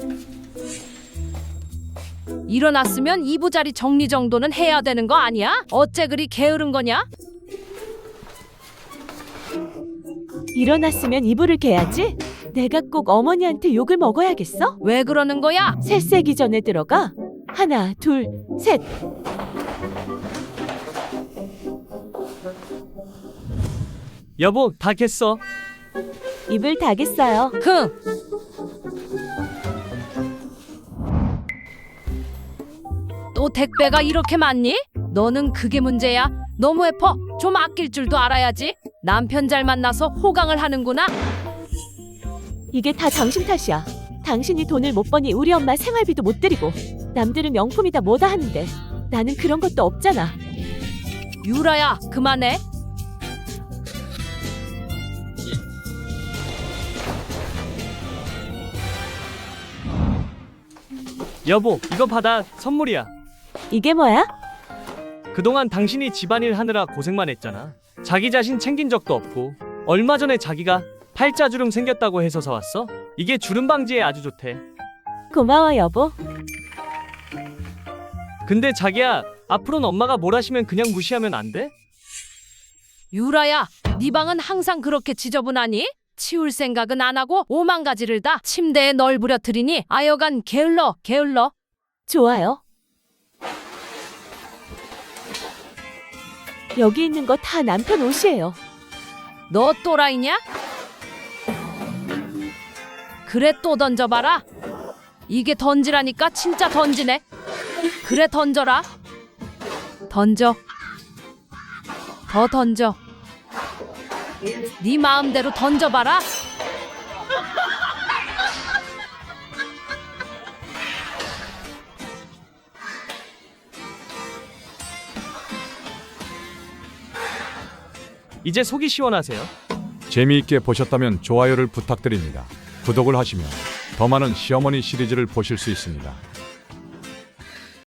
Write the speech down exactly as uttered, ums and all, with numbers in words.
일어났으면 이부자리 정리 정도는 해야 되는 거 아니야? 어째 그리 게으른 거냐? 일어났으면 이불을 개야지. 내가 꼭 어머니한테 욕을 먹어야겠어? 왜 그러는 거야? 새 세기 전에 들어가. 하나, 둘, 셋. 여보, 다 겠어. 이불 다겠어요. 흥! 또 택배가 이렇게 많니? 너는 그게 문제야. 너무 예뻐. 좀 아낄 줄도 알아야지. 남편 잘 만나서 호강을 하는구나. 이게 다 당신 탓이야. 당신이 돈을 못 버니 우리 엄마 생활비도 못 드리고 남들은 명품이다 뭐다 하는데 나는 그런 것도 없잖아. 유라야, 그만해. 여보, 이거 받아. 선물이야. 이게 뭐야? 그동안 당신이 집안일 하느라 고생만 했잖아. 자기 자신 챙긴 적도 없고 얼마 전에 자기가 팔자주름 생겼다고 해서 사왔어. 이게 주름 방지에 아주 좋대. 고마워 여보. 근데 자기야, 앞으로는 엄마가 뭘 하시면 그냥 무시하면 안 돼? 유라야, 네 방은 항상 그렇게 지저분하니? 치울 생각은 안 하고 오만 가지를 다 침대에 널브러뜨리니 아여간 게을러 게을러. 좋아요. 여기 있는 거 다 남편 옷이에요. 너 또라이냐? 그래, 또 던져봐라. 이게 던지라니까 진짜 던지네. 그래, 던져라. 던져. 더 던져. 네 마음대로 던져봐라. 이제 속이 시원하세요? 재미있게 보셨다면 좋아요를 부탁드립니다. 구독을 하시면 더 많은 시어머니 시리즈를 보실 수 있습니다.